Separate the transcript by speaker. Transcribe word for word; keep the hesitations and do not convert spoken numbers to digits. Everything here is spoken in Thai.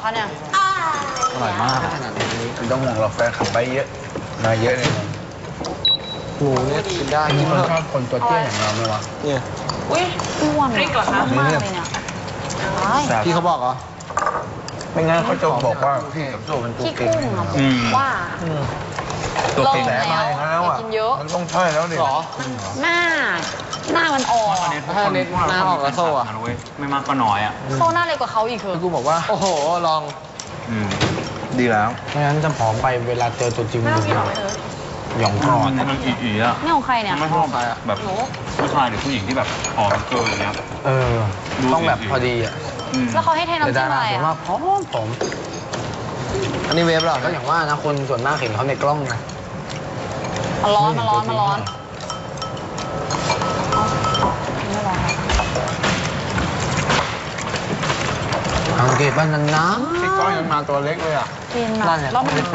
Speaker 1: คะเนี่ย
Speaker 2: อร่อยมากไม่ต้องห่วงหรอกแฟนขับไปเยอะมาเยอะเลยหมูเนี่ยกินได้มีคนชอบคนตัวเตี้ยอย่างเราไหมวะเนี่ย
Speaker 1: อุ้ยอ้วนอ่ะมากเลยเนี่ย
Speaker 2: พี่เขาบอกเหรอไม่งั้นเขาจะบอกว่าพี่กับโซ่เป็นตัว
Speaker 1: พี่
Speaker 2: เก่ง
Speaker 1: กุ้งอ่ะว่า
Speaker 2: ตัวเก่งแสบมาอย่างนั้นแล้วอ่ะ
Speaker 1: กินเยอะ
Speaker 2: มันต้องใช่แล้วดิหรอ
Speaker 1: หน้าหน้ามันอ่อน
Speaker 3: ถ้าเน็ตหน้าออกแล้วโซ่อะไม่มากก็น้อยอ่ะ
Speaker 1: โซ่หน้าเล็กกว่าเขาอีกคือ
Speaker 2: กูบอกว่าโอ้โหลองดีแล้วไม่งั้นจะผอมไปเวลาเจอตัวจริงมันหย่องคอ
Speaker 3: มันมันอีๆอ่ะ
Speaker 1: นี่ของใครเนี่ย
Speaker 3: ไม่ชอบแบบผู้ชายหรือผู้หญิงที่แบบผอมเกินอย่างเงี้ย
Speaker 2: เออต้องแบบพอดีอ่ะ
Speaker 1: แล้วเขาให้เทน้ำ
Speaker 2: แต่
Speaker 1: จิ้
Speaker 2: ดาม
Speaker 1: อะ
Speaker 2: รา
Speaker 1: ไร
Speaker 2: ผม
Speaker 1: อ่ะ
Speaker 2: ว่าผอมผมอันนี้เวฟหรอก็อย่างว่านะคนส่วนมากเห็นเขาในกล้องนะ
Speaker 1: มันร้อนมันร้อนมันร้อนไม่ร้อน
Speaker 2: สังเกตบ้านนั้นนะที่กล้องยังมาตัวเล็กเลยอ่ะ
Speaker 1: กินอ่ะแล้วมัน